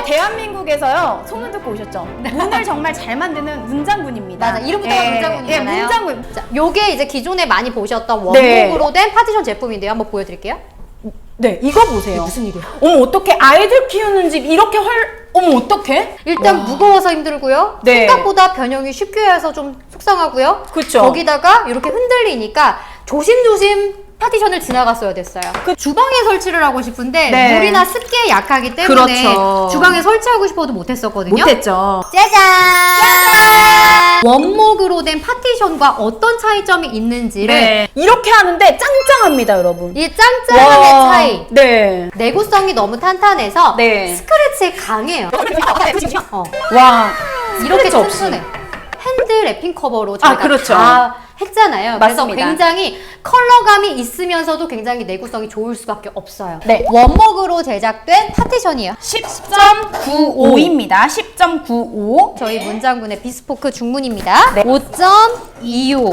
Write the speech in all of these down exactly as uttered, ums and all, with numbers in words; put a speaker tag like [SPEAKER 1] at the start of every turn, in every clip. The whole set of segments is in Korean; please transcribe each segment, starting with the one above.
[SPEAKER 1] 대한민국에서요, 소문 듣고 오셨죠? 문을 정말 잘 만드는 문장군입니다.
[SPEAKER 2] 맞아, 이름부터가
[SPEAKER 1] 예,
[SPEAKER 2] 문장군이잖아요.
[SPEAKER 1] 예, 문장군.
[SPEAKER 2] 자, 요게 이제 기존에 많이 보셨던
[SPEAKER 1] 네.
[SPEAKER 2] 원목으로 된 파티션 제품인데요. 한번 보여드릴게요.
[SPEAKER 1] 네, 이거 보세요.
[SPEAKER 2] 무슨 일이야?
[SPEAKER 1] 어머, 어떡해. 아이들 키우는 집 이렇게 헐, 어머, 어떡해?
[SPEAKER 2] 일단
[SPEAKER 1] 와.
[SPEAKER 2] 무거워서 힘들고요.
[SPEAKER 1] 네.
[SPEAKER 2] 생각보다 변형이 쉽게 해서 좀 속상하고요.
[SPEAKER 1] 그쵸.
[SPEAKER 2] 거기다가 이렇게 흔들리니까 조심조심 파티션을 지나갔어야 됐어요. 그 주방에 설치를 하고 싶은데
[SPEAKER 1] 네.
[SPEAKER 2] 물이나 습기에 약하기 때문에
[SPEAKER 1] 그렇죠.
[SPEAKER 2] 주방에 설치하고 싶어도 못했었거든요.
[SPEAKER 1] 못했죠.
[SPEAKER 2] 짜잔! 원목으로 된 파티션과 어떤 차이점이 있는지를
[SPEAKER 1] 네. 이렇게 하는데 짱짱합니다, 여러분.
[SPEAKER 2] 이 짱짱함의
[SPEAKER 1] 와.
[SPEAKER 2] 차이.
[SPEAKER 1] 네.
[SPEAKER 2] 내구성이 너무 탄탄해서
[SPEAKER 1] 네.
[SPEAKER 2] 스크래치에 강해요. 어.
[SPEAKER 1] 와.
[SPEAKER 2] 이렇게
[SPEAKER 1] 스크래치 없이.
[SPEAKER 2] 튼튼해. 핸드 랩핑 커버로 저희가
[SPEAKER 1] 아, 그렇죠.
[SPEAKER 2] 다 했잖아요.
[SPEAKER 1] 맞습니다.
[SPEAKER 2] 그래서 굉장히 컬러감이 있으면서도 굉장히 내구성이 좋을 수밖에 없어요.
[SPEAKER 1] 네.
[SPEAKER 2] 원목으로 제작된 파티션이에요.
[SPEAKER 1] 십 점 구오입니다. 십 점 구오.
[SPEAKER 2] 저희 문장군의 비스포크 중문입니다.
[SPEAKER 1] 네.
[SPEAKER 2] 오 점 이오.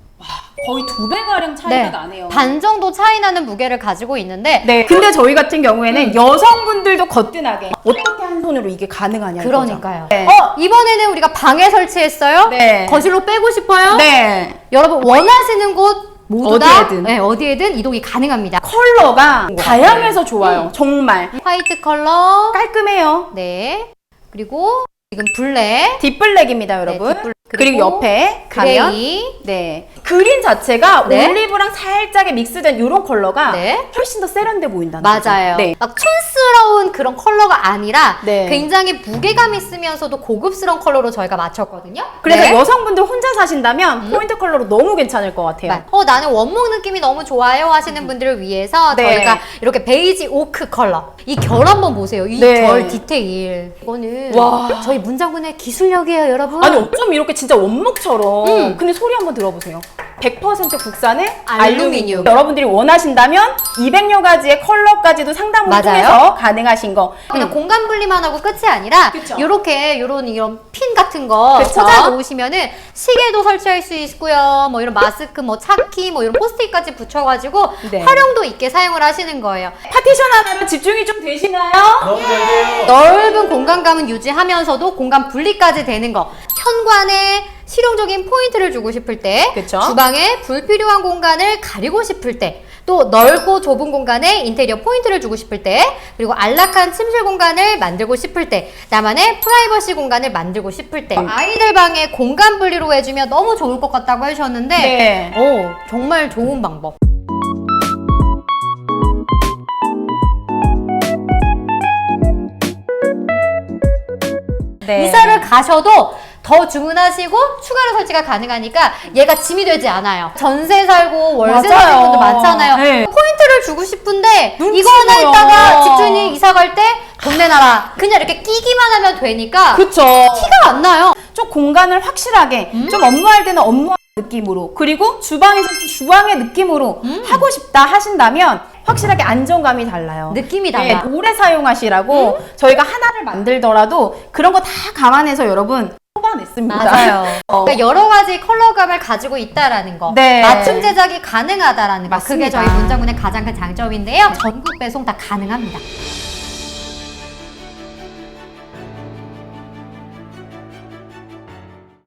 [SPEAKER 1] 거의 두 배가량 차이가
[SPEAKER 2] 네.
[SPEAKER 1] 나네요.
[SPEAKER 2] 반 정도 차이 나는 무게를 가지고 있는데
[SPEAKER 1] 네. 근데 저희 같은 경우에는 여성분들도 거뜬하게 어떻게 한 손으로 이게 가능하냐.
[SPEAKER 2] 그러니까요.
[SPEAKER 1] 네.
[SPEAKER 2] 어, 이번에는 우리가 방에 설치했어요.
[SPEAKER 1] 네.
[SPEAKER 2] 거실로 빼고 싶어요.
[SPEAKER 1] 네.
[SPEAKER 2] 여러분 원하시는 곳 모두
[SPEAKER 1] 어디에든.
[SPEAKER 2] 다 네, 어디에든 이동이 가능합니다.
[SPEAKER 1] 컬러가 다양해서 좋아요. 정말
[SPEAKER 2] 화이트 컬러.
[SPEAKER 1] 깔끔해요.
[SPEAKER 2] 네. 그리고 지금 블랙.
[SPEAKER 1] 딥블랙입니다, 여러분.
[SPEAKER 2] 네, 딥블랙.
[SPEAKER 1] 그리고,
[SPEAKER 2] 그리고
[SPEAKER 1] 옆에 가면
[SPEAKER 2] 그레이.
[SPEAKER 1] 네. 그린 자체가
[SPEAKER 2] 네.
[SPEAKER 1] 올리브랑 살짝의 믹스된 이런 컬러가
[SPEAKER 2] 네.
[SPEAKER 1] 훨씬 더 세련돼 보인다는
[SPEAKER 2] 맞아요.
[SPEAKER 1] 거죠. 네.
[SPEAKER 2] 막 촌스러운 그런 컬러가 아니라
[SPEAKER 1] 네.
[SPEAKER 2] 굉장히 무게감 있으면서도 고급스러운 컬러로 저희가 맞췄거든요.
[SPEAKER 1] 그래서
[SPEAKER 2] 네.
[SPEAKER 1] 여성분들 혼자 사신다면 포인트 컬러로 너무 괜찮을 것 같아요.
[SPEAKER 2] 어 나는 원목 느낌이 너무 좋아요 하시는 분들을 위해서
[SPEAKER 1] 네.
[SPEAKER 2] 저희가 이렇게 베이지 오크 컬러 이 결 한번 보세요. 이
[SPEAKER 1] 네.
[SPEAKER 2] 결 디테일 이거는
[SPEAKER 1] 와.
[SPEAKER 2] 저희 문장군의 기술력이에요, 여러분.
[SPEAKER 1] 아니 어쩜 이렇게 진짜 원목처럼
[SPEAKER 2] 음.
[SPEAKER 1] 근데 소리 한번 들어보세요. 백 퍼센트 국산의
[SPEAKER 2] 알루미늄.
[SPEAKER 1] 알루미늄. 여러분들이 원하신다면 이백여 가지의 컬러까지도 상담을
[SPEAKER 2] 맞아요.
[SPEAKER 1] 통해서 가능하신 거.
[SPEAKER 2] 그냥
[SPEAKER 1] 음.
[SPEAKER 2] 공간 분리만 하고 끝이 아니라
[SPEAKER 1] 그쵸.
[SPEAKER 2] 이렇게 이런 이런 핀 같은 거
[SPEAKER 1] 그쵸.
[SPEAKER 2] 꽂아 놓으시면은 시계도 설치할 수 있고요. 뭐 이런 마스크, 뭐 차키, 뭐 이런 포스트잇까지 붙여가지고
[SPEAKER 1] 네.
[SPEAKER 2] 활용도 있게 사용을 하시는 거예요.
[SPEAKER 1] 파티션 하나로 집중이 좀 되시나요?
[SPEAKER 3] 너무 잘 돼요.
[SPEAKER 2] 넓은 공간감은 유지하면서도 공간 분리까지 되는 거. 현관에 실용적인 포인트를 주고 싶을 때,
[SPEAKER 1] 그쵸.
[SPEAKER 2] 주방에 불필요한 공간을 가리고 싶을 때, 또 넓고 좁은 공간에 인테리어 포인트를 주고 싶을 때, 그리고 안락한 침실 공간을 만들고 싶을 때, 나만의 프라이버시 공간을 만들고 싶을 때, 아이들 방에 공간 분리로 해주면 너무 좋을 것 같다고 하셨는데,
[SPEAKER 1] 네.
[SPEAKER 2] 오, 정말 좋은 방법.
[SPEAKER 1] 네.
[SPEAKER 2] 이사를 가셔도 더 주문하시고 추가로 설치가 가능하니까 얘가 짐이 되지 않아요. 전세 살고 월세
[SPEAKER 1] 맞아요.
[SPEAKER 2] 사는 분도 많잖아요.
[SPEAKER 1] 네.
[SPEAKER 2] 포인트를 주고 싶은데
[SPEAKER 1] 눈치
[SPEAKER 2] 이거 하나
[SPEAKER 1] 보여.
[SPEAKER 2] 있다가 집주인이 이사 갈 때 돈 내놔라. 그냥 이렇게 끼기만 하면 되니까
[SPEAKER 1] 그쵸.
[SPEAKER 2] 티가 안 나요.
[SPEAKER 1] 좀 공간을 확실하게 좀 업무할 때는 업무 느낌으로 그리고 주방에서 주방의 느낌으로 하고 싶다 하신다면 확실하게 안정감이 달라요.
[SPEAKER 2] 느낌이
[SPEAKER 1] 네,
[SPEAKER 2] 달라.
[SPEAKER 1] 오래 사용하시라고 저희가 하나를 만들더라도 그런 거 다 감안해서 여러분 뽑아냈습니다.
[SPEAKER 2] 맞아요.
[SPEAKER 1] 어.
[SPEAKER 2] 그러니까 여러 가지 컬러감을 가지고 있다라는 거,
[SPEAKER 1] 네.
[SPEAKER 2] 맞춤 제작이 가능하다라는 거, 그게
[SPEAKER 1] 맞습니다.
[SPEAKER 2] 저희 문장군의 가장 큰 장점인데요. 전국 배송 다 가능합니다.